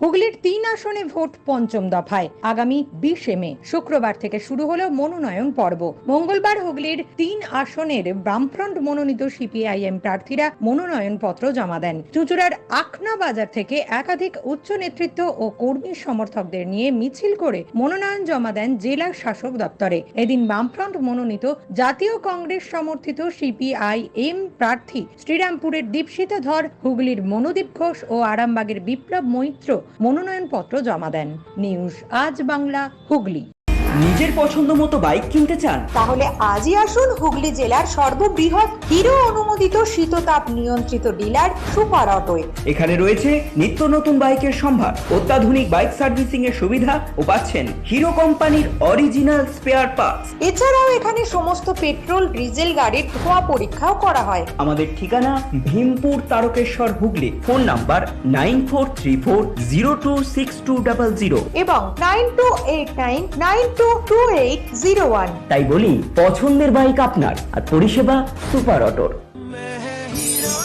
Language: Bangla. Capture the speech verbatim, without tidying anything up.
হুগলির তিন আসনে ভোট পঞ্চম দফায় আগামী বিশে মে শুক্রবার থেকে শুরু হলো মনোনয়ন পর্ব। মঙ্গলবার হুগলির তিন আসনের বামফ্রন্ট মনোনীত সিপিআইএম প্রার্থীরা মনোনয়ন পত্র জমা দেন। চুঁচুড়ার আখনা বাজার থেকে একাধিক উচ্চ নেতৃত্ব ও কর্মী সমর্থকদের নিয়ে মিছিল করে মনোনয়ন জমা দেন জেলা শাসক দপ্তরে। এদিন বামফ্রন্ট মনোনীত জাতীয় কংগ্রেস সমর্থিত সিপিআইএম প্রার্থী শ্রীরামপুরের দীপশিতা ধর, হুগলির মনোদীপ ঘোষ ও আরামবাগের বিপ্লব মৈত্র মনোনয়ন পত্র জমা দেন। নিউজ আজ বাংলা, হুগলি। নিজের পছন্দ মতো বাইক কিনতে চান? তাহলে আজই আসুন হুগলি জেলার সর্ববৃহৎ হিরো অনুমোদিত শীততাপ নিয়ন্ত্রিত ডিলার সুপার অটোয়। এখানে রয়েছে নিত্য নতুন বাইকের সম্ভার, অত্যাধুনিক বাইক সার্ভিসিং এর সুবিধা ও পাচ্ছেন হিরো কোম্পানির অরিজিনাল স্পেয়ার পার্টস। এছাড়াও এখানে সমস্ত পেট্রোল ডিজেল গাড়ির ধোঁয়া পরীক্ষাও করা হয়। আমাদের ঠিকানা Bhimpur Tarakeswar, Hooghly. Phone number nine four three four zero two six two double zero এবং nine two eight nine nine two two eight zero one. তাই বলি, পছন্দের বাইক আপনার আর পরিষেবা সুপার অটোর।